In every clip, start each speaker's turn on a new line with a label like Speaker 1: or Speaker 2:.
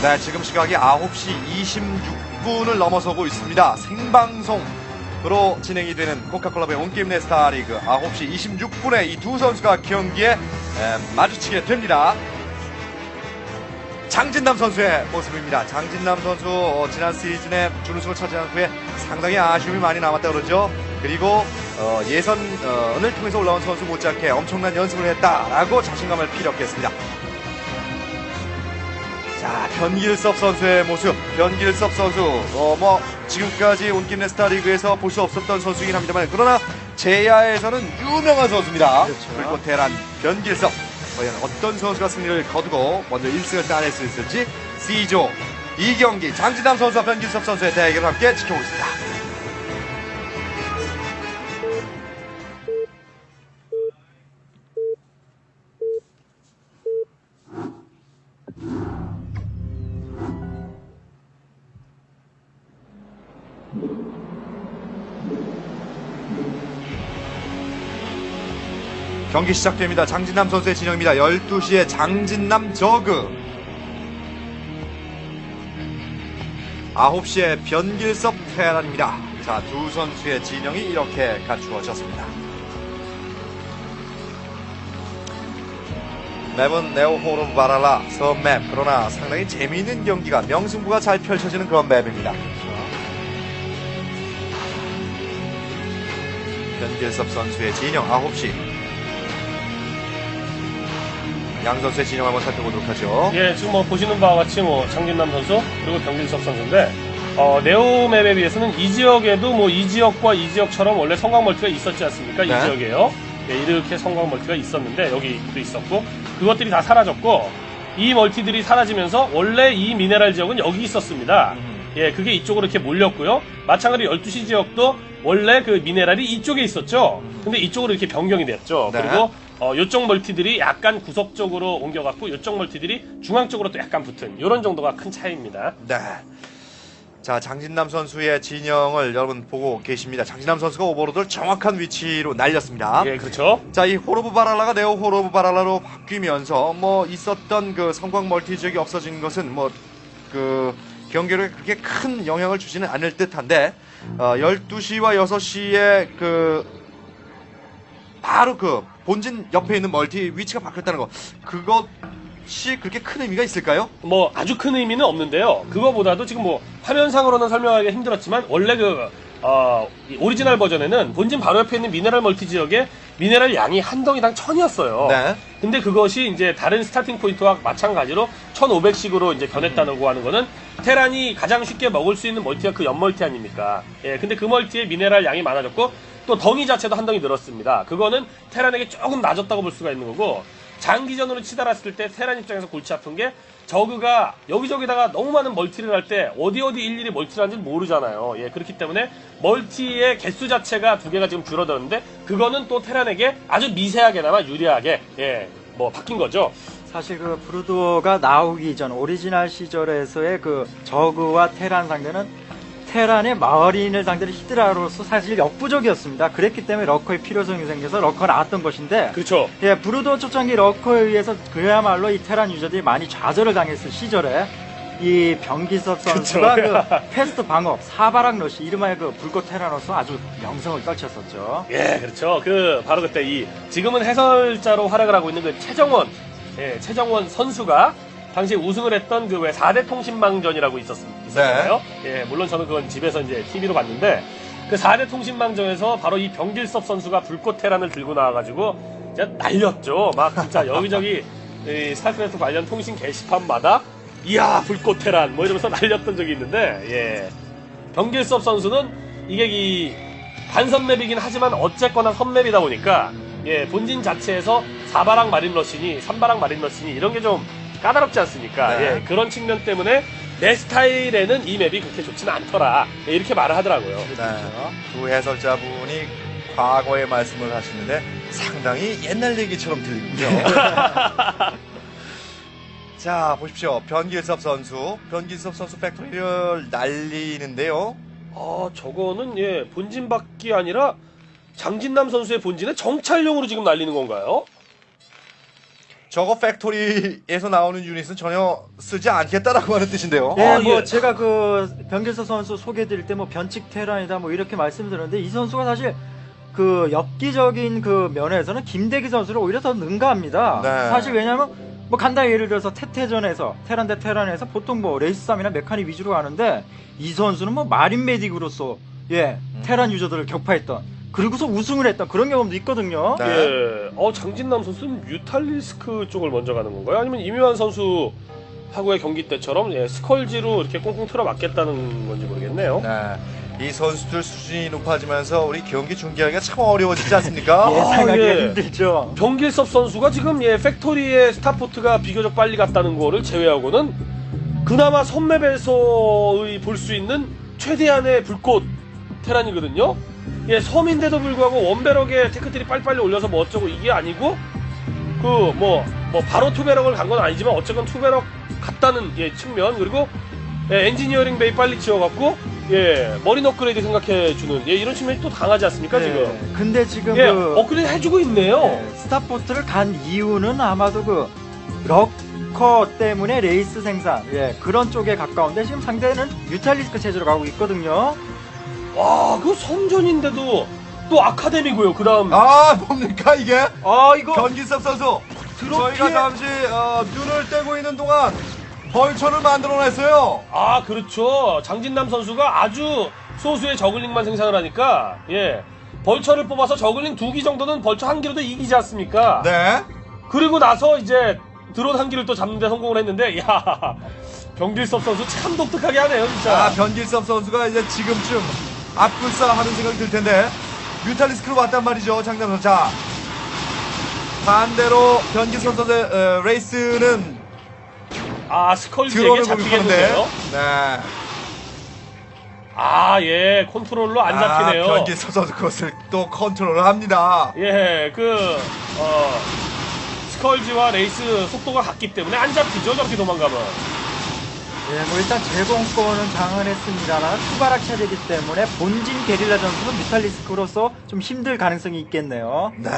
Speaker 1: 네, 지금 시각이 9시 26분을 넘어서고 있습니다. 생방송으로 진행이 되는 코카콜라의 온게임 네스타 리그 9시 26분에 이 두 선수가 경기에 마주치게 됩니다. 장진남 선수의 모습입니다. 장진남 선수 지난 시즌에 준우승을 차지한 후에 상당히 아쉬움이 많이 남았다 그러죠. 그리고 예선을 통해서 올라온 선수 못지않게 엄청난 연습을 했다라고 자신감을 피력했습니다. 자, 변길섭 선수의 모습. 변길섭 선수 지금까지 온게임 네스타 리그에서 볼 수 없었던 선수이긴 합니다만, 그러나 제야에서는 유명한 선수입니다.
Speaker 2: 그렇죠.
Speaker 1: 불꽃 테란 변길섭. 과연 어떤 선수가 승리를 거두고 먼저 1승을 따낼 수 있을지 C조 2경기 장진남 선수와 변길섭 선수의 대결을 함께 지켜보겠습니다. 경기 시작됩니다. 장진남 선수의 진영입니다. 12시에 장진남 저그, 9시에 변길섭 테란입니다. 자, 두 선수의 진영이 이렇게 갖추어졌습니다. 맵은 네오호르 바랄라 섬맵. 그러나 상당히 재미있는 경기가, 명승부가 잘 펼쳐지는 그런 맵입니다. 변길섭 선수의 진영 9시. 양 선수의 진영 한번 살펴보도록 하죠.
Speaker 2: 예, 지금 보시는 바와 같이 장진남 선수 그리고 변길섭 선수인데 네오 맵에 비해서는 이 지역에도 이 지역과 이 지역처럼 원래 성광 멀티가 있었지 않습니까?
Speaker 1: 네.
Speaker 2: 이 지역에요. 예, 이렇게 성광 멀티가 있었는데 여기도 있었고 그것들이 다 사라졌고 이 멀티들이 사라지면서 원래 이 미네랄 지역은 여기 있었습니다. 예, 그게 이쪽으로 이렇게 몰렸고요. 마찬가지로 12시 지역도 원래 그 미네랄이 이쪽에 있었죠. 근데 이쪽으로 이렇게 변경이 됐죠.
Speaker 1: 네.
Speaker 2: 그리고 요쪽 멀티들이 약간 구석 쪽으로 옮겨갔고 요쪽 멀티들이 중앙 쪽으로 또 약간 붙은 이런 정도가 큰 차이입니다.
Speaker 1: 네. 자, 장진남 선수의 진영을 여러분 보고 계십니다. 장진남 선수가 오버로드를 정확한 위치로 날렸습니다.
Speaker 2: 예, 그렇죠.
Speaker 1: 자, 이 호르브 바랄라가 네오 호르브 바랄라로 바뀌면서 있었던 그 성광 멀티 지역이 없어진 것은 그 경기력에 그렇게 큰 영향을 주지는 않을 듯한데 12시와 6시에 바로 본진 옆에 있는 멀티 위치가 바뀌었다는 거, 그것이 그렇게 큰 의미가 있을까요?
Speaker 2: 아주 큰 의미는 없는데요. 그거보다도 지금 화면상으로는 설명하기가 힘들었지만 원래 이 오리지널 버전에는 본진 바로 옆에 있는 미네랄 멀티 지역에 미네랄 양이 한 덩이당 1000이었어요.
Speaker 1: 네.
Speaker 2: 근데 그것이 이제 다른 스타팅 포인트와 마찬가지로 1500씩으로 이제 변했다고 하는 거는 테란이 가장 쉽게 먹을 수 있는 멀티가 그 연멀티 아닙니까? 예, 근데 그 멀티에 미네랄 양이 많아졌고 또 덩이 자체도 한 덩이 늘었습니다. 그거는 테란에게 조금 낮았다고 볼 수가 있는 거고, 장기전으로 치달았을 때 테란 입장에서 골치 아픈 게 저그가 여기저기다가 너무 많은 멀티를 할 때 어디 일일이 멀티를 하는지 모르잖아요. 예, 그렇기 때문에 멀티의 개수 자체가 두 개가 지금 줄어들었는데 그거는 또 테란에게 아주 미세하게나마 유리하게 바뀐 거죠.
Speaker 3: 사실 브루도가 나오기 전 오리지널 시절에서의 저그와 테란 상대는 테란의 마을인을 상대로 히드라로서 사실 역부족이었습니다. 그랬기 때문에 러커의 필요성이 생겨서 러커가 나왔던 것인데,
Speaker 2: 그렇죠.
Speaker 3: 예, 브루도 초창기 러커에 의해서 그야말로 이 테란 유저들이 많이 좌절을 당했을 시절에 이 변기섭 선수가 패스트 방업, 사바락 러시, 이름하여 불꽃 테란으로서 아주 명성을 떨쳤었죠.
Speaker 2: 예, 그렇죠. 바로 그때 지금은 해설자로 활약을 하고 있는 최정원 선수가 당시에 우승을 했던 4대 통신망전이라고 있었잖아요. 네. 예, 물론 저는 그건 집에서 이제 TV로 봤는데, 그 4대 통신망전에서 바로 이 변길섭 선수가 불꽃 테란을 들고 나와가지고, 진짜 날렸죠. 진짜 여기저기, 스타크래프트 관련 통신 게시판마다, 이야, 불꽃 테란, 이러면서 날렸던 적이 있는데, 예. 변길섭 선수는 이게 반선맵이긴 하지만 어쨌거나 선맵이다 보니까, 예, 본진 자체에서 4바락 마린 러시니, 3바락 마린 러시니, 이런 게 좀, 까다롭지 않습니까?
Speaker 1: 네.
Speaker 2: 예, 그런 측면 때문에 내 스타일에는 이 맵이 그렇게 좋지는 않더라. 예, 이렇게 말을 하더라고요.
Speaker 1: 네. 두 해설자분이 과거의 말씀을 하시는데 상당히 옛날 얘기처럼 들리군요. 자, 보십시오. 변길섭 선수 팩토리를 날리는데요.
Speaker 2: 저거는 본진밖이 아니라 장진남 선수의 본진에 정찰용으로 지금 날리는 건가요?
Speaker 1: 저거 팩토리에서 나오는 유닛은 전혀 쓰지 않겠다라고 하는 뜻인데요.
Speaker 3: 예,
Speaker 2: 아,
Speaker 3: 뭐
Speaker 2: 예.
Speaker 3: 제가 그 변길서 선수 소개드릴 때 뭐 변칙 테란이다 뭐 이렇게 말씀드렸는데 이 선수가 사실 그 엽기적인 그 면에서는 김대기 선수를 오히려 더 능가합니다.
Speaker 1: 네.
Speaker 3: 사실 왜냐면 뭐 간단히 예를 들어서 태태전에서 테란 대 테란에서 보통 뭐 레이스 싸움이나 메카닉 위주로 가는데 이 선수는 뭐 마린 메딕으로서 테란 유저들을 격파했던 그리고서 우승을 했던 그런 경험도 있거든요.
Speaker 1: 네.
Speaker 2: 예. 장진남 선수는 뮤탈리스크 쪽을 먼저 가는 건가요? 아니면 이묘한 선수 하고의 경기 때처럼 스컬지로 이렇게 꽁꽁 틀어 맞겠다는 건지 모르겠네요.
Speaker 1: 네. 이 선수들 수준이 높아지면서 우리 경기 중계하기가 참 어려워지지 않습니까?
Speaker 3: 예상하기가
Speaker 2: 예.
Speaker 3: 힘들죠.
Speaker 2: 병길섭 선수가 지금 팩토리의 스타포트가 비교적 빨리 갔다는 거를 제외하고는 그나마 선맵에서의 볼 수 있는 최대한의 불꽃 테란이거든요. 섬인데도 불구하고 원배럭에 테크트리 빨리빨리 올려서 뭐 어쩌고 이게 아니고 뭐 바로 투배럭을 간 건 아니지만 어쨌건 투배럭 갔다는 측면 그리고 엔지니어링 베이 빨리 지어갖고 머린 업그레이드 생각해주는 이런 측면이 또 강하지 않습니까 지금?
Speaker 3: 근데 지금
Speaker 2: 업그레이드 해주고 있네요.
Speaker 3: 스타포트를 간 이유는 아마도 그 럭커 때문에 레이스 생산 그런 쪽에 가까운데 지금 상대는 뮤탈리스크 체제로 가고 있거든요.
Speaker 2: 와, 그 섬전인데도 또 아카데미고요. 그다음
Speaker 1: 뭡니까 이게?
Speaker 2: 이거
Speaker 1: 변기섭 선수. 저희가
Speaker 2: 드롭키에
Speaker 1: 잠시 눈을 떼고 있는 동안 벌처를 만들어냈어요.
Speaker 2: 그렇죠. 장진남 선수가 아주 소수의 저글링만 생산을 하니까 벌처를 뽑아서 저글링 2기 정도는 벌처 1기로도 이기지 않습니까?
Speaker 1: 네.
Speaker 2: 그리고 나서 이제 드론 1기를 또 잡는 데 성공을 했는데 병길섭 선수 참 독특하게 하네요, 진짜.
Speaker 1: 변길섭 선수가 이제 지금쯤 앞불싸 하는 생각이 들 텐데 뮤탈리스크로 왔단 말이죠, 장남 선수. 자, 반대로 변길섭 선수의 레이스는
Speaker 2: 스컬지에게
Speaker 1: 드론을
Speaker 2: 잡히겠는데요?
Speaker 1: 공격하는데. 네.
Speaker 2: 컨트롤로 안 잡히네요.
Speaker 1: 변길섭 선수 그것을 또 컨트롤을 합니다.
Speaker 2: 스컬지와 레이스 속도가 같기 때문에 안 잡히죠, 저렇게 도망가면.
Speaker 3: 뭐 일단 제공권은 장악했습니다만 투바락 체제이기 때문에 본진 게릴라 전투는 뮤탈리스크로서 좀 힘들 가능성이 있겠네요.
Speaker 1: 네.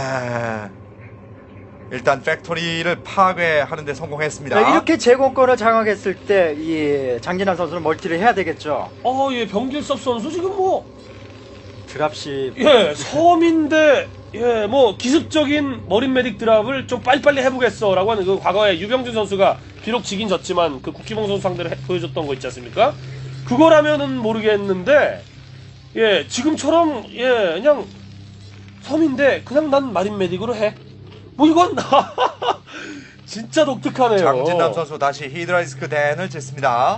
Speaker 1: 일단 팩토리를 파괴하는 데 성공했습니다.
Speaker 3: 이렇게 제공권을 장악했을 때 이 장진환 선수는 멀티를 해야 되겠죠.
Speaker 2: 병길섭 선수 지금 뭐
Speaker 3: 드랍십.
Speaker 2: 섬인데 기습적인 머린 메딕 드랍을 좀 빨리빨리 해보겠어라고 하는 그 과거에 유병준 선수가 비록 지긴 졌지만 그 국기봉 선수 상대로 보여줬던 거 있지 않습니까? 그거라면은 모르겠는데 지금처럼 그냥 섬인데 그냥 난 마린 메딕으로 해. 뭐 이건 진짜 독특하네요.
Speaker 1: 장진남 선수 다시 히드라이스크 댄을 쟀습니다.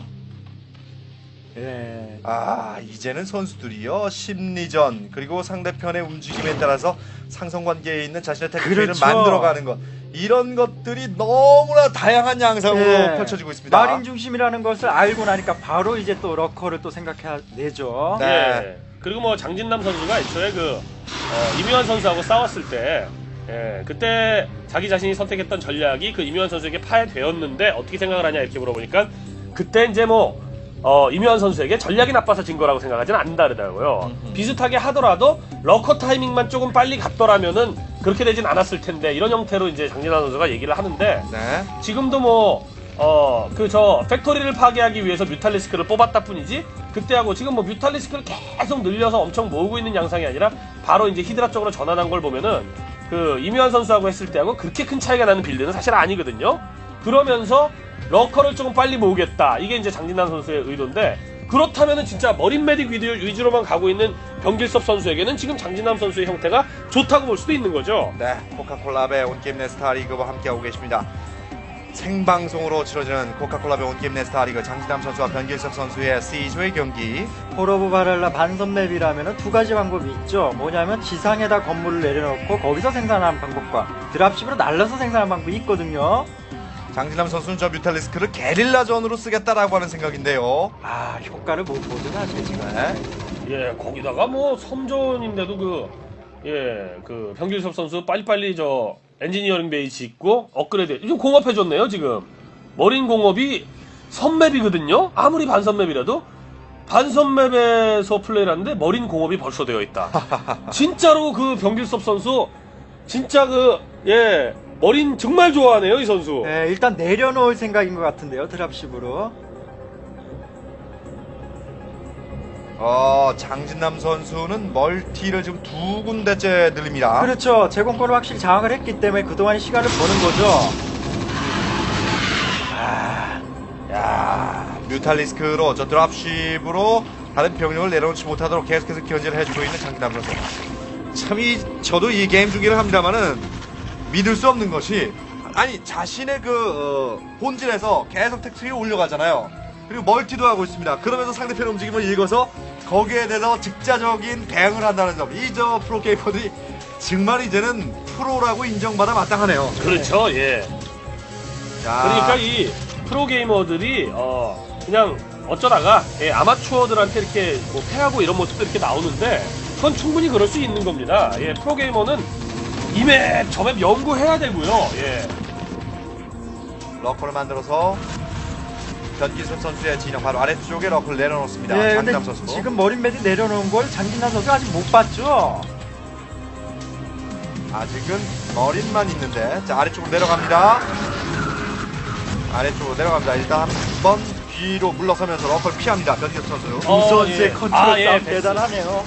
Speaker 1: 이제는 선수들이요 심리전 그리고 상대편의 움직임에 따라서 상성관계에 있는 자신의 테크닉을
Speaker 3: 그렇죠.
Speaker 1: 만들어가는 것 이런 것들이 너무나 다양한 양상으로 펼쳐지고 있습니다.
Speaker 3: 마린 중심이라는 것을 알고 나니까 바로 이제 또 러커를 또 생각해내죠.
Speaker 1: 네.
Speaker 2: 그리고 뭐 장진남 선수가 애초에 이묘한 선수하고 싸웠을 때 그때 자기 자신이 선택했던 전략이 그 이묘한 선수에게 파해되었는데 어떻게 생각을 하냐 이렇게 물어보니까 그때 이제 이묘한 선수에게 전략이 나빠서 진 거라고 생각하지는 않는다더라고요. 비슷하게 하더라도 러커 타이밍만 조금 빨리 갔더라면은 그렇게 되진 않았을 텐데 이런 형태로 이제 장진환 선수가 얘기를 하는데
Speaker 1: 네.
Speaker 2: 지금도 팩토리를 파괴하기 위해서 뮤탈리스크를 뽑았다 뿐이지 그때하고 지금 뮤탈리스크를 계속 늘려서 엄청 모으고 있는 양상이 아니라 바로 이제 히드라 쪽으로 전환한 걸 보면은 그 이묘한 선수하고 했을 때하고 그렇게 큰 차이가 나는 빌드는 사실 아니거든요. 그러면서 러커를 조금 빨리 모으겠다. 이게 이제 장진남 선수의 의도인데 그렇다면은 진짜 머린 메딕 위주로만 가고 있는 병길섭 선수에게는 지금 장진남 선수의 형태가 좋다고 볼 수도 있는 거죠.
Speaker 1: 네, 코카콜라의 온게임 네스타 리그와 함께하고 계십니다. 생방송으로 치러지는 코카콜라의 온게임 네스타 리그 장진남 선수와 변길섭 선수의 C조의 경기.
Speaker 3: 포로브 바랄라 반선맵이라면 두 가지 방법이 있죠. 뭐냐면 지상에다 건물을 내려놓고 거기서 생산하는 방법과 드랍십으로 날려서 생산하는 방법이 있거든요.
Speaker 1: 장진남 선수는 저 뮤탈리스크를 게릴라전으로 쓰겠다라고 하는 생각인데요.
Speaker 3: 효과를 못 보든 아직 지금.
Speaker 1: 네.
Speaker 2: 거기다가 섬전인데도 그 병길섭 선수 빨리빨리 엔지니어링 베이 짓고 업그레이드 좀 공업해줬네요. 지금 머린 공업이 선맵이거든요. 아무리 반선맵이라도 반선맵에서 플레이를 하는데 머린 공업이 벌써 되어 있다. 진짜로 그 병길섭 선수 진짜 머린 정말 좋아하네요, 이 선수.
Speaker 3: 네, 일단 내려놓을 생각인 것 같은데요, 드랍십으로.
Speaker 1: 장진남 선수는 멀티를 지금 두 군데째 늘립니다.
Speaker 3: 그렇죠. 제공권을 확실히 장악을 했기 때문에 그동안 시간을 버는 거죠.
Speaker 1: 야, 뮤탈리스크로 저 드랍십으로 다른 병력을 내려놓지 못하도록 계속해서 견제를 해주고 있는 장진남 선수. 참 저도 이 게임 중계를 합니다만은 믿을 수 없는 것이 아니 자신의 본진에서 계속 택트리를 올려가잖아요. 그리고 멀티도 하고 있습니다. 그러면서 상대편의 움직임을 읽어서 거기에 대해서 즉자적인 대응을 한다는 점. 이 저 프로게이머들이 정말 이제는 프로라고 인정받아 마땅하네요.
Speaker 2: 그렇죠, 예.
Speaker 1: 자,
Speaker 2: 그러니까 이 프로게이머들이 그냥 어쩌다가 아마추어들한테 이렇게 뭐 패하고 이런 모습도 이렇게 나오는데 그건 충분히 그럴 수 있는 겁니다. 예, 프로게이머는 이맵 저맵 연구해야 되고요. 예.
Speaker 1: 러커를 만들어서 변기섭 선수의 진영 바로 아래쪽에 러커를 내려놓습니다.
Speaker 3: 네, 근데
Speaker 1: 장진남 선수.
Speaker 3: 지금 머린매드 내려놓은 걸 장진남 선수가 아직 못 봤죠.
Speaker 1: 아직은 머린만 있는데 자 아래쪽으로 내려갑니다. 아래쪽으로 내려갑니다. 일단 한번 뒤로 물러서면서 러커를 피합니다. 변기섭 선수.
Speaker 3: 두 선수의
Speaker 2: 예.
Speaker 3: 컨트롤
Speaker 2: 아, 예,
Speaker 3: 싸움
Speaker 2: 패스.
Speaker 3: 대단하네요.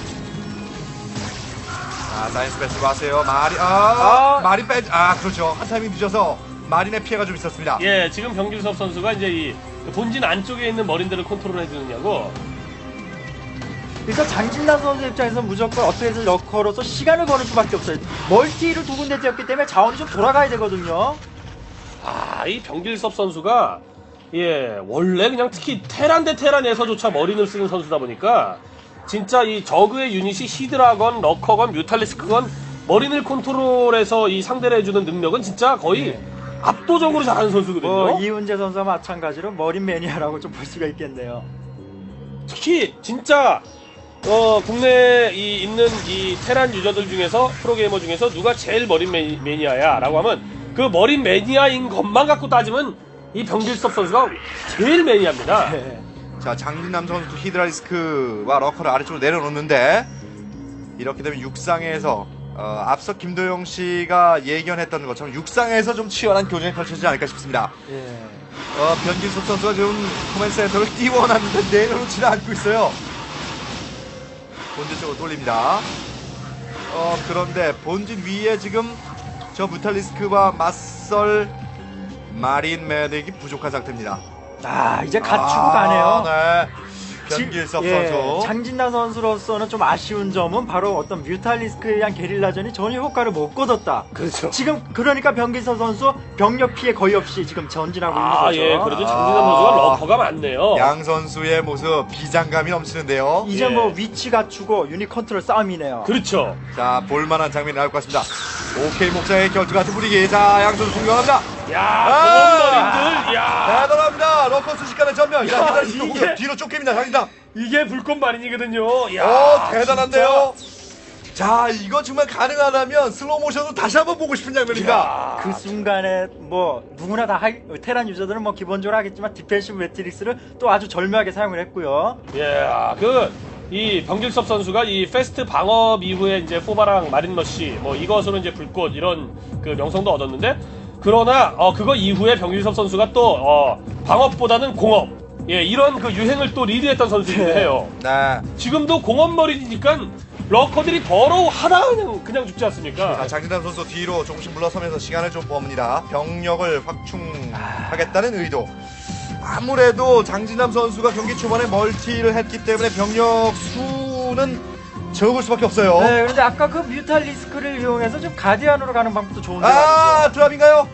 Speaker 1: 사이언스 패스로 왔어요. 마린 빼. 그렇죠. 한 타이밍 늦어서 마린의 피해가 좀 있었습니다.
Speaker 2: 예, 지금 병길섭 선수가 이제 이 본진 안쪽에 있는 머린들을 컨트롤 해주느냐고.
Speaker 3: 그래서 장진남 선수 입장에서 무조건 어떻게든 러커로서 시간을 버는 수밖에 없어요. 멀티를 두 군데 째었기 때문에 자원이 좀 돌아가야 되거든요.
Speaker 2: 이 병길섭 선수가 예 원래 그냥 특히 테란 대 테란에서조차 머린을 쓰는 선수다 보니까 진짜 이 저그의 유닛이 히드라건 러커건 뮤탈리스크건 머린을 컨트롤해서 이 상대를 해주는 능력은 진짜 거의 압도적으로 잘하는 선수거든요.
Speaker 3: 이훈재 선수와 마찬가지로 머린 매니아라고 좀 볼 수가 있겠네요.
Speaker 2: 특히 진짜 국내에 있는 이 테란 유저들 중에서 프로게이머 중에서 누가 제일 머린 매니아야라고 하면 그 머린 매니아인 것만 갖고 따지면 이 병길섭 선수가 제일 매니아입니다.
Speaker 3: 네.
Speaker 1: 자 장진남 선수 히드라리스크와 러커를 아래쪽으로 내려놓는데 이렇게 되면 육상에서 앞서 김도영 씨가 예견했던 것처럼 육상에서 좀 치열한 교전이 펼쳐지지 않을까 싶습니다.
Speaker 3: 예.
Speaker 1: 변길섭 선수가 지금 코멘 센터를 띄워놨는데 내려놓지는 않고 있어요. 본진 쪽으로 돌립니다. 그런데 본진 위에 지금 저 무탈리스크와 맞설 마린 매딕이 부족한 상태입니다.
Speaker 3: 이제 갖추고 가네요.
Speaker 1: 네. 변길섭 선수.
Speaker 3: 장진남 선수로서는 좀 아쉬운 점은 바로 어떤 뮤탈리스크에 의한 게릴라전이 전혀 효과를 못 거뒀다.
Speaker 2: 그렇죠.
Speaker 3: 지금 그러니까 변길섭 선수 병력 피해 거의 없이 지금 전진하고 있는 거죠.
Speaker 2: 예, 그래도 장진남 선수가 러커가 많네요.
Speaker 1: 양 선수의 모습 비장감이 넘치는데요.
Speaker 3: 이제
Speaker 2: 예.
Speaker 3: 뭐 위치 갖추고 유닛 컨트롤 싸움이네요.
Speaker 2: 그렇죠.
Speaker 1: 자, 볼만한 장면이 나올 것 같습니다. 오케이 목자의 결투 같은 분위기. 자, 양 선수 존경합니다.
Speaker 2: 공원머린들,
Speaker 1: 대단합니다. 러커 순식간에 전면.
Speaker 2: 야,
Speaker 1: 야,
Speaker 2: 이게-
Speaker 1: 뒤로 쫓깁니다. 장진남.
Speaker 2: 이게 불꽃마린이거든요.
Speaker 1: 대단한데요. 자, 이거 정말 가능하다면 슬로우 모션으로 다시 한번 보고 싶은 장면입니다.
Speaker 3: 그 순간에 뭐 누구나 다 테란 유저들은 뭐 기본적으로 하겠지만 디펜시브 매트릭스를 또 아주 절묘하게 사용을 했고요.
Speaker 2: 이 병길섭 선수가 이 페스트 방업 이후에 이제 포바랑 마린러시 뭐 이것으로 이제 불꽃 이런 그 명성도 얻었는데 그러나 그거 이후에 병길섭 선수가 또 방업보다는 공업 이런 그 유행을 또 리드했던 선수이기도
Speaker 3: 네.
Speaker 2: 해요.
Speaker 1: 네.
Speaker 2: 지금도 공업머리니까 러커들이 더러워 하나 그냥 죽지 않습니까?
Speaker 1: 자, 장진남 선수 뒤로 조금씩 물러서면서 시간을 좀 봅니다. 병력을 확충하겠다는 의도. 아무래도 장진남 선수가 경기 초반에 멀티를 했기 때문에 병력 수는 적을 수밖에 없어요.
Speaker 3: 네, 그런데 아까 그 뮤탈리스크를 이용해서 좀 가디안으로 가는 방법도 좋은데 말이죠.
Speaker 1: 드랍인가요?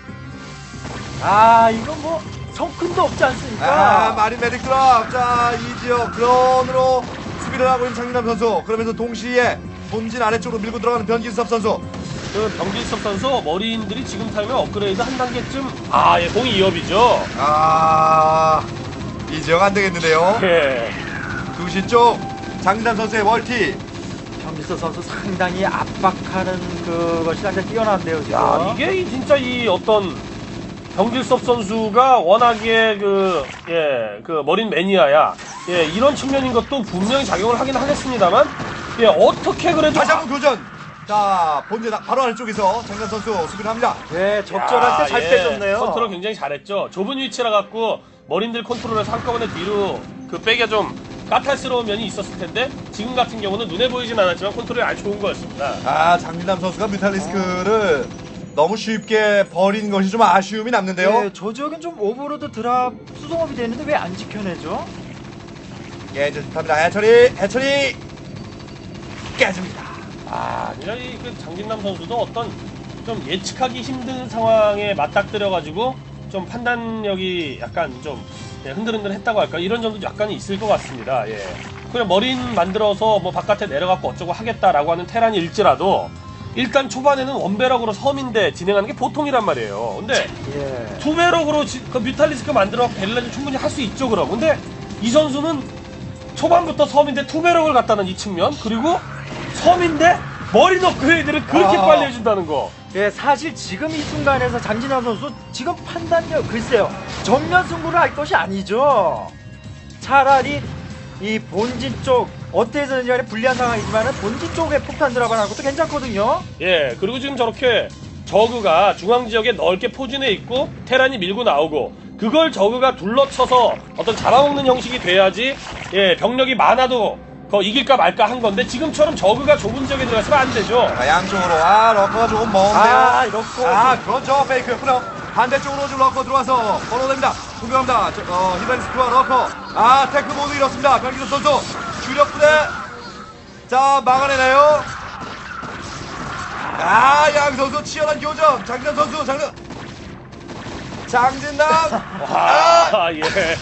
Speaker 3: 이건 뭐 성큰도 없지 않습니까?
Speaker 1: 마린 메딕 드랍. 자, 이 지역 드론으로 수비를 하고 있는 장진남 선수. 그러면서 동시에 본진 아래쪽으로 밀고 들어가는 변길섭 선수.
Speaker 2: 그 병길섭 선수 머리인들이 지금 타이밍 업그레이드 한 단계쯤 공이 2업이죠.
Speaker 1: 이 지역 안 되겠는데요.
Speaker 2: 예.
Speaker 1: 2시 쪽 장진남 선수의 멀티.
Speaker 3: 변길섭 선수 상당히 압박하는 그것이 상당히 뛰어난데요, 지금.
Speaker 2: 이게 진짜 이 어떤 병길섭 선수가 워낙에 그 머린 매니아야. 이런 측면인 것도 분명히 작용을 하긴 하겠습니다만 어떻게 그래도
Speaker 1: 다시 한번 교전. 자, 본진 바로 아래쪽에서 장진남 선수 수비를 합니다.
Speaker 3: 네, 적절할 때 잘 빼줬네요.
Speaker 2: 컨트롤 굉장히 잘했죠. 좁은 위치라 갖고 머린들 컨트롤해서 한꺼번에 뒤로 그 빼기가 좀 까탈스러운 면이 있었을 텐데 지금 같은 경우는 눈에 보이진 않았지만 컨트롤이 아주 좋은 거였습니다.
Speaker 1: 아, 장진남 선수가 뮤탈리스크를 너무 쉽게 버린 것이 좀 아쉬움이 남는데요.
Speaker 3: 네, 저 지역은 좀 오버로드 드랍 수송업이 되는데 왜 안 지켜내죠?
Speaker 1: 깨질 듯합니다. 해철이 깨집니다.
Speaker 2: 그냥 그 장진남 선수도 어떤 좀 예측하기 힘든 상황에 맞닥뜨려가지고 좀 판단력이 약간 좀 흔들흔들했다고 할까 이런 점도 약간 있을 것 같습니다. 예. 그냥 머린 만들어서 뭐 바깥에 내려갖고 어쩌고 하겠다라고 하는 테란일지라도 일단 초반에는 원배럭으로 섬인데 진행하는 게 보통이란 말이에요. 근데
Speaker 3: 예.
Speaker 2: 투배럭으로 그 뮤탈리스크 만들어 벨라를 충분히 할 수 있죠 그럼. 근데 이 선수는 초반부터 섬인데 투배럭을 갖다는 이 측면 그리고 섬인데 머린 업그레이드를 그렇게 빨리 해준다는 거.
Speaker 3: 예, 사실 지금 이 순간에서 장진환 선수 지금 판단력 글쎄요 정면 승부를 할 것이 아니죠. 차라리 이 본진 쪽 어떻게든지 간에 불리한 상황이지만 본진 쪽에 폭탄 드랍을 하는 것도 괜찮거든요.
Speaker 2: 예, 그리고 지금 저렇게 저그가 중앙 지역에 넓게 포진해 있고 테란이 밀고 나오고 그걸 저그가 둘러쳐서 어떤 잡아먹는 형식이 돼야지 예, 병력이 많아도 이길까 말까 한 건데 지금처럼 저그가 좁은 지역에 들어가서는 안 되죠.
Speaker 1: 양쪽으로 러커가 조금 먼데요.
Speaker 3: 이렇게
Speaker 1: 그렇죠. 페이크였고요. 반대쪽으로 지금 러커 들어와서 번호됩니다. 공격합니다. 히바리스크와 러커. 태크 모두 잃었습니다. 변기석 선수 주력 부대. 자, 막아내나요? 양 선수 치열한 교전. 장진남 선수, 장진남.
Speaker 2: 예.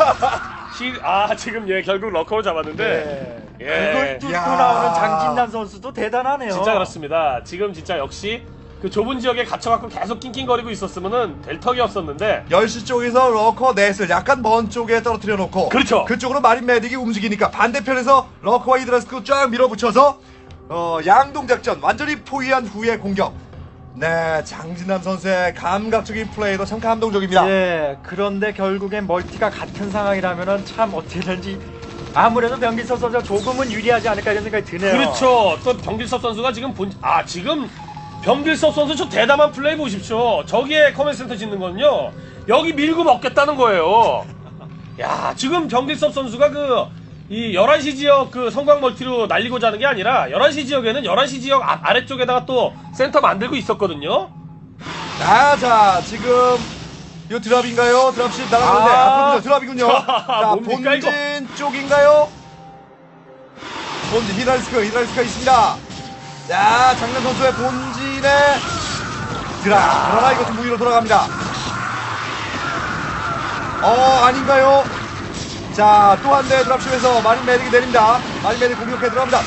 Speaker 2: 지금 결국 러커를 잡았는데.
Speaker 3: 그걸 뚫고
Speaker 1: 야.
Speaker 3: 나오는 장진남 선수도 대단하네요.
Speaker 2: 진짜 그렇습니다. 지금 진짜 역시 그 좁은 지역에 갇혀갖고 계속 낑낑거리고 있었으면은 될 턱이 없었는데
Speaker 1: 10시 쪽에서 러커 넷을 약간 먼 쪽에 떨어뜨려 놓고
Speaker 2: 그렇죠.
Speaker 1: 그쪽으로 마린 메딕이 움직이니까 반대편에서 러커와 히드라스크 쫙 밀어붙여서 양동작전 완전히 포위한 후의 공격. 네, 장진남 선수의 감각적인 플레이도 참 감동적입니다.
Speaker 3: 예, 그런데 결국엔 멀티가 같은 상황이라면은 참 어떻게든지 아무래도 변기석 선수가 조금은 유리하지 않을까 이런 생각이 드네요.
Speaker 2: 그렇죠. 또 병길섭 선수가 지금 지금 병길섭 선수 저 대담한 플레이 보십시오. 저기에 커맨드 센터 짓는 건요. 여기 밀고 먹겠다는 거예요. 야, 지금 병길섭 선수가 이 11시 지역 성광 멀티로 날리고자 하는 게 아니라 11시 지역에는 11시 지역 아래쪽에다가 또 센터 만들고 있었거든요.
Speaker 1: 자, 지금 이 드랍인가요? 드랍십 날아가는데 앞으로 드랍이군요. 자,
Speaker 2: 뭡니까,
Speaker 1: 본진
Speaker 2: 이거?
Speaker 1: 쪽인가요? 본진 히드라스크가 있습니다. 자, 장난 선수의 본진에 드랍. 그러나 이것은 무위로 돌아갑니다. 아닌가요? 자, 또 한 대 드랍십에서 마린 메딕이 내립니다. 마린 메딕 공격해 들어갑니다.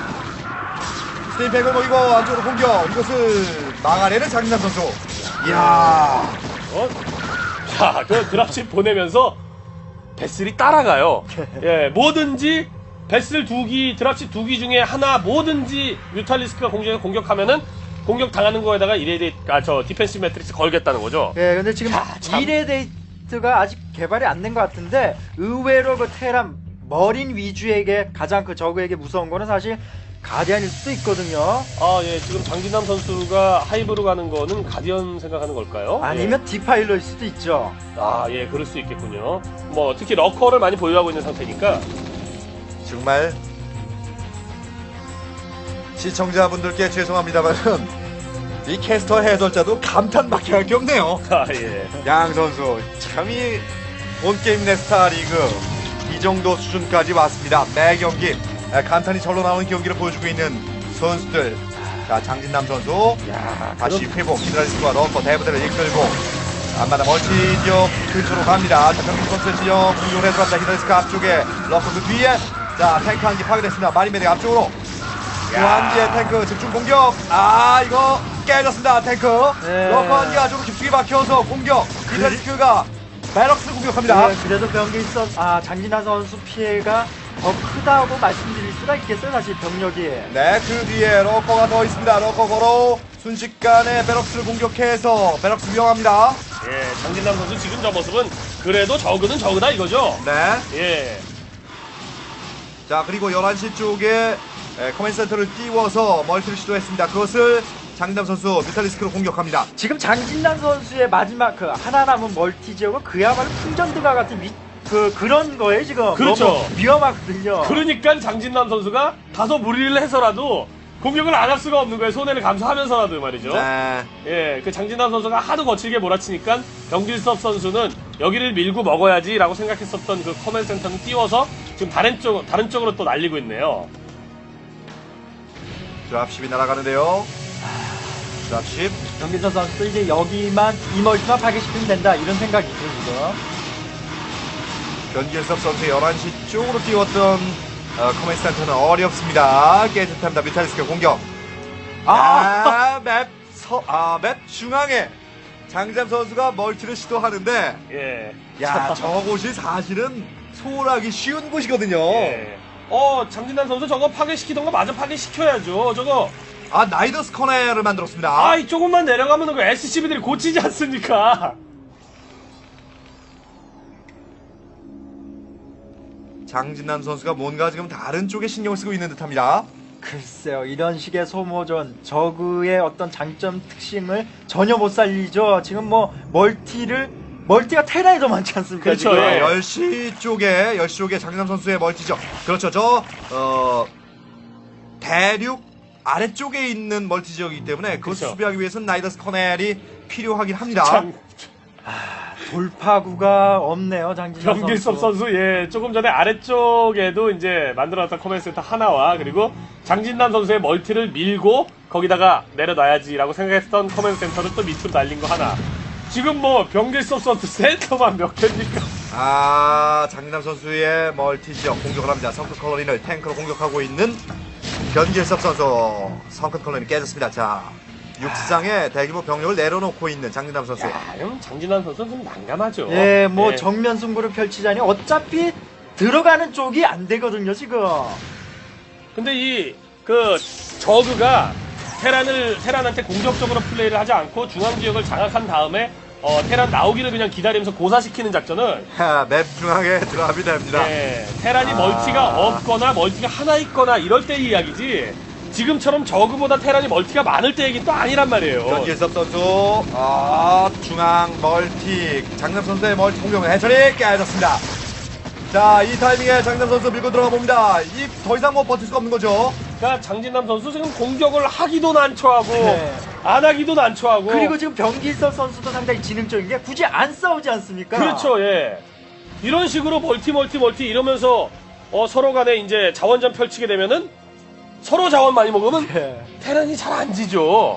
Speaker 1: 스테이팩을 모이고 안쪽으로 공격. 이것을 막아내는 장진남 선수. 이야.
Speaker 2: 자, 그 드랍십 보내면서 베슬이 따라가요. 예, 뭐든지 베슬 드랍십 2기 중에 하나 뭐든지 뮤탈리스크가 공격하면은 공격 당하는 거에다가 디펜시브 매트릭스 걸겠다는 거죠.
Speaker 3: 예, 근데 지금
Speaker 2: 참.
Speaker 3: 이레데이트가 아직 개발이 안 된 것 같은데 의외로 테란 머린 위주에게 가장 저그에게 무서운 거는 사실 가디안일 수도 있거든요.
Speaker 2: 예, 지금 장진남 선수가 하이브로 가는 거는 가디언 생각하는 걸까요?
Speaker 3: 아니면 디파일러일 수도 있죠.
Speaker 2: 예, 그럴 수 있겠군요. 뭐 특히 러커를 많이 보유하고 있는 상태니까.
Speaker 1: 정말 시청자분들께 죄송합니다만 이 캐스터 해설자도 감탄밖에 할 게 없네요.
Speaker 2: 예.
Speaker 1: 양 선수 참이 온게임 네스타 리그 이 정도 수준까지 왔습니다. 매 경기 감탄이 절로 나오는 경기를 보여주고 있는 선수들. 자, 장진남 선수 다시 회복. 히드라리스크와 러커 대부대를 이끌고 안마다 멀티 지역 근처로 갑니다. 자, 병기 선수의 지역 공격을 해들어갑니다. 히드라리스크 앞쪽에 러커 그 뒤에 자, 탱크 한 기 파괴됐습니다. 마린메딕 앞쪽으로 무한지의 탱크 집중 공격. 이거 깨졌습니다. 탱크.
Speaker 3: 네.
Speaker 1: 러커 한 기가 좀 깊숙이 박혀서 공격. 히드라리스크가 베럭스를 공격합니다.
Speaker 3: 예, 그래도 병기석 장진환 선수 피해가 더 크다고 말씀드릴 수가 있겠어요. 사실 병력이.
Speaker 1: 네, 그 뒤에 러커가 더 있습니다. 러커 걸어 순식간에 베럭스를 공격해서 베럭스 위험합니다.
Speaker 2: 예, 장진남 선수 지금 저 모습은 그래도 저그는 저그다 이거죠.
Speaker 1: 네.
Speaker 2: 예.
Speaker 1: 자, 그리고 11시 쪽에 커맨드 센터를 띄워서 멀티를 시도했습니다. 그것을 장담 선수 뮤탈리스크로 공격합니다.
Speaker 3: 지금 장진남 선수의 마지막 그 하나 남은 멀티 지역은 그야말로 풍전드가 같은 그런 거예요 지금.
Speaker 2: 그렇죠.
Speaker 3: 너무 위험하거든요.
Speaker 2: 그러니까 장진남 선수가 다소 무리를 해서라도 공격을 안 할 수가 없는 거예요. 손해를 감수하면서라도 말이죠.
Speaker 1: 네.
Speaker 2: 예, 그 장진남 선수가 하도 거칠게 몰아치니까 병길섭 선수는 여기를 밀고 먹어야지라고 생각했었던 그 커맨드 센터는 띄워서 지금 다른 쪽으로 또 날리고 있네요.
Speaker 1: 드랍십이 날아가는데요. 드랍십.
Speaker 3: 정기선 선수 이제 여기만 이 멀티만 파괴시키면 된다 이런 생각이죠 지금.
Speaker 1: 변길섭 선수 11시 쪽으로 띄웠던 커맨드 센터는 어렵습니다. 깨끗합니다. 뮤탈리스크 공격. 맵 중앙에 장잠 선수가 멀티를 시도하는데,
Speaker 2: 예.
Speaker 1: 야, 저곳이 사실은 소홀하기 쉬운 곳이거든요.
Speaker 2: 예. 장진남 선수 저거 파괴시키던 거 마저 파괴시켜야죠. 저거.
Speaker 1: 나이더스 커넬을 만들었습니다.
Speaker 2: 조금만 내려가면 그 SCB들이 고치지 않습니까?
Speaker 1: 장진남 선수가 뭔가 지금 다른 쪽에 신경을 쓰고 있는 듯합니다.
Speaker 3: 글쎄요, 이런 식의 소모전, 저그의 어떤 장점 특징을 전혀 못 살리죠. 지금 뭐, 멀티가 테라에 더 많지 않습니까?
Speaker 2: 그렇죠,
Speaker 3: 지금?
Speaker 2: 예.
Speaker 1: 10시 쪽에 장진남 선수의 멀티죠. 그렇죠. 대륙 아래쪽에 있는 멀티 지역이기 때문에 그것을
Speaker 2: 그렇죠.
Speaker 1: 수비하기 위해서는 나이더스 커넬이 필요하긴 합니다.
Speaker 2: 참,
Speaker 3: 돌파구가 없네요, 장진남
Speaker 2: 병길섭 선수, 예, 조금 전에 아래쪽에도 이제 만들어놨던 커맨드 센터 하나와 그리고 장진남 선수의 멀티를 밀고 거기다가 내려놔야지라고 생각했던 커맨드 센터를 또 밑으로 날린 거 하나. 지금 뭐 병길섭 선수 센터만 몇 개입니까?
Speaker 1: 장진남 선수의 멀티 지역 공격을 합니다. 성큰 컬러린을 탱크로 공격하고 있는 변길섭 선수. 성큰 컬러린 깨졌습니다. 자, 육상에 대규모 병력을 내려놓고 있는 장진남 선수.
Speaker 2: 그럼 장진남 선수는 좀 난감하죠.
Speaker 3: 예, 뭐
Speaker 2: 예.
Speaker 3: 정면 승부를 펼치자니 어차피 들어가는 쪽이 안 되거든요, 지금.
Speaker 2: 근데 저그가 테란한테 공격적으로 플레이를 하지 않고 중앙 지역을 장악한 다음에 테란 나오기를 그냥 기다리면서 고사시키는 작전을
Speaker 1: 맵 중앙에 드랍이 됩니다.
Speaker 2: 테란이 멀티가 없거나 멀티가 하나 있거나 이럴 때 이야기지 지금처럼 저그보다 테란이 멀티가 많을 때 얘기는 또 아니란 말이에요.
Speaker 1: 변길섭 선수 중앙 멀티 장남 선수의 멀티 공격을 해처리 깨졌습니다. 자, 이 타이밍에 장남 선수 밀고 들어가 봅니다. 더 이상 뭐 버틸 수가 없는 거죠.
Speaker 2: 그러니까 장진남 선수 지금 공격을 하기도 난처하고
Speaker 3: 네.
Speaker 2: 안 하기도 난처하고
Speaker 3: 그리고 지금 병길섭 선수도 상당히 지능적인 게 굳이 안 싸우지 않습니까?
Speaker 2: 그렇죠. 예. 이런 식으로 멀티 이러면서 서로 간에 이제 자원전 펼치게 되면은 서로 자원 많이 먹으면
Speaker 3: 예.
Speaker 2: 테란이 잘 안 지죠.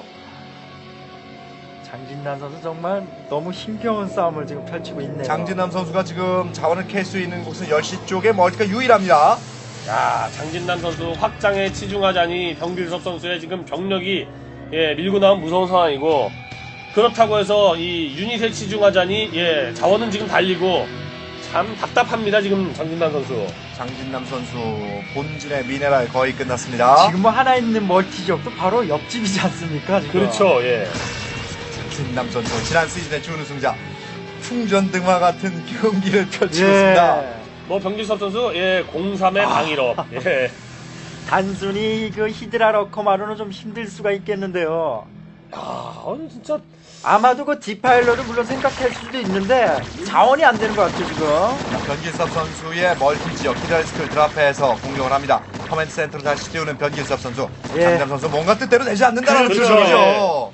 Speaker 3: 장진남 선수 정말 너무 힘겨운 싸움을 지금 펼치고 있네요.
Speaker 1: 장진남 선수가 지금 자원을 캘 수 있는 곳은 10시 쪽에 멀티가 유일합니다.
Speaker 2: 야, 장진남 선수 확장에 치중하자니 병길섭 선수의 지금 병력이 밀고 나온 무서운 상황이고 그렇다고 해서 이 유닛에 치중하자니 자원은 지금 달리고 참 답답합니다. 지금 장진남 선수.
Speaker 1: 장진남 선수 본진의 미네랄 거의 끝났습니다.
Speaker 3: 지금 뭐 하나 있는 멀티 지역도 바로 옆집이지 않습니까? 지금?
Speaker 2: 그렇죠. 예.
Speaker 1: 장진남 선수 지난 시즌의 준우승자 풍전등화 같은 경기를 펼치고 있습니다.
Speaker 2: 뭐 병길섭 선수 03의 방일업. 예.
Speaker 3: 단순히 그 히드라 러커만으로는 좀 힘들 수가 있겠는데요.
Speaker 2: 진짜
Speaker 3: 아마도 그 디파일러를 물론 생각할 수도 있는데 자원이 안 되는 것 같죠 지금.
Speaker 1: 변길섭 선수의 멀티 지역 히드라리스크를 드랍해서 공격을 합니다. 커맨드 센터로 다시 띄우는 변길섭 선수.
Speaker 3: 예.
Speaker 1: 장진남 선수 뭔가 뜻대로 되지 않는다는
Speaker 2: 그렇죠.
Speaker 1: 표정이죠.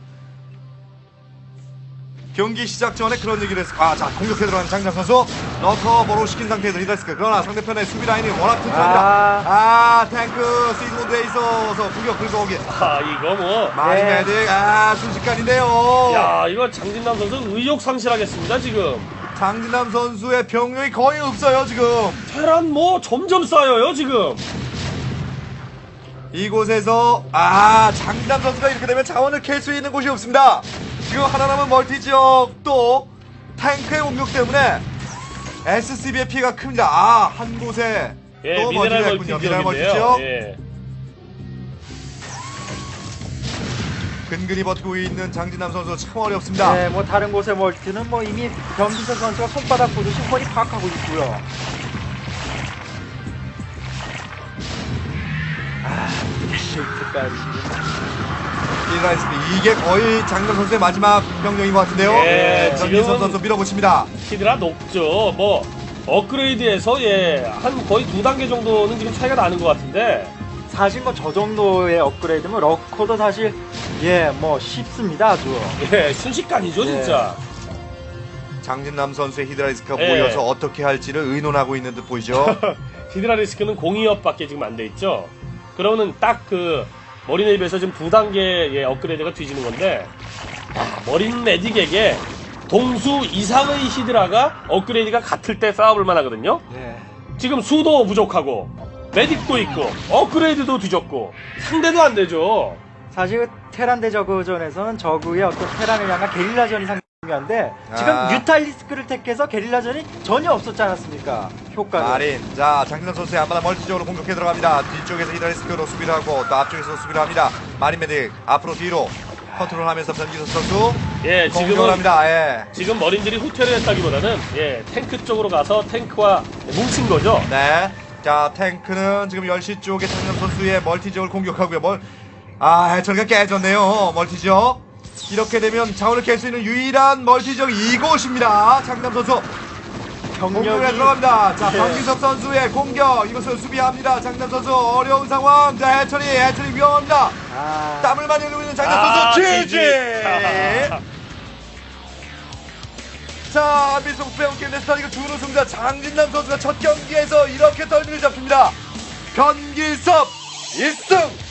Speaker 1: 경기 시작 전에 그런 얘기를 했어요. 자, 공격해 들어가는 장진남 선수. 러커버로 시킨 상태에서 히드라리스크. 그러나 상대편의 수비 라인이 워낙 튼튼합니다. 탱크 시드 모드에 있어서 공격 긁어오기.
Speaker 2: 이거 뭐
Speaker 1: 마린 메딕 순식간인데요.
Speaker 2: 야, 이거 장진남 선수 의욕 상실하겠습니다, 지금.
Speaker 1: 장진남 선수의 병력이 거의 없어요, 지금.
Speaker 2: 테란 뭐 점점 쌓여요, 지금.
Speaker 1: 이곳에서 장진남 선수가 이렇게 되면 자원을 캘 수 있는 곳이 없습니다. 지금 하나 남은 멀티 지역 또 탱크의 공격 때문에 SCB의 피해가 큽니다. 한 곳에 또
Speaker 2: 미네랄
Speaker 1: 멀티가
Speaker 2: 멀티
Speaker 1: 있군요. 미네랄 멀티
Speaker 2: 지역인데요.
Speaker 1: 지역.
Speaker 2: 예.
Speaker 1: 근근히 버티고 있는 장진남 선수 참 어렵습니다.
Speaker 3: 네, 뭐 다른 곳의 멀티는 뭐 이미 병기석 선수가 손바닥 보듯이 뻔히 파악하고 있고요. 게이트까지.
Speaker 1: 이게 거의 장남 선수의 마지막 병력인 것 같은데요.
Speaker 2: 예,
Speaker 1: 전기선
Speaker 2: 지금은-
Speaker 1: 선수 밀어붙입니다.
Speaker 2: 히드라 높죠. 뭐 업그레이드에서 한 거의 2단계 정도는 지금 차이가 나는 것 같은데.
Speaker 3: 사실 뭐 저 정도의 업그레이드면 러커도 사실 뭐 쉽습니다 아주.
Speaker 2: 예, 순식간이죠, 진짜.
Speaker 1: 장진남 선수의 히드라리스크가
Speaker 2: 예.
Speaker 1: 모여서 어떻게 할지를 의논하고 있는 듯 보이죠.
Speaker 2: 히드라 리스크는 공이업밖에 지금 안 돼 있죠. 그러면은 딱 그 머린 앱에서 지금 2단계의 업그레이드가 뒤지는 건데, 머린 메딕에게 동수 이상의 히드라가 업그레이드가 같을 때 싸워볼 만하거든요.
Speaker 3: 예.
Speaker 2: 지금 수도 부족하고 메딕도 있고 업그레이드도 뒤졌고 상대도 안 되죠.
Speaker 3: 사실 테란 대 저그전에서는 저그의 어떤 테란을 향한 게릴라전이 상당히 중요한데 지금
Speaker 1: 아.
Speaker 3: 뮤탈리스크를 택해서 게릴라전이 전혀 없었지 않았습니까? 효과가.
Speaker 1: 마린. 자, 장진남 선수의 앞마다 멀티적으로 공격해 들어갑니다. 뒤쪽에서 히드라리스크로 수비를 하고 또 앞쪽에서 수비를 합니다. 마린 메딕 앞으로 뒤로 컨트롤하면서 변기선 선수
Speaker 2: 예,
Speaker 1: 공격을
Speaker 2: 지금은
Speaker 1: 합니다. 예.
Speaker 2: 지금 머린들이 후퇴를 했다기보다는 탱크 쪽으로 가서 탱크와 뭉친 거죠.
Speaker 1: 네. 자, 탱크는 지금 10시 쪽에 장진남 선수의 멀티적을 공격하고요. 해처리가 깨졌네요. 멀티적. 이렇게 되면 자원을 깰 수 있는 유일한 멀티적 이곳입니다. 장진남 선수. 공격에 들어갑니다. 자,
Speaker 3: 네.
Speaker 1: 박기석 선수의 공격. 이것을 수비합니다. 장남 선수 어려운 상황. 자, 해철이 위험합니다.
Speaker 3: 아,
Speaker 1: 땀을 많이 흘리고 있는 장남 선수. 지지! 자, 미소 빼앗긴 스타리그 준우승자 장진남 선수가 첫 경기에서 이렇게 덜미를 잡힙니다. 변기섭 1승!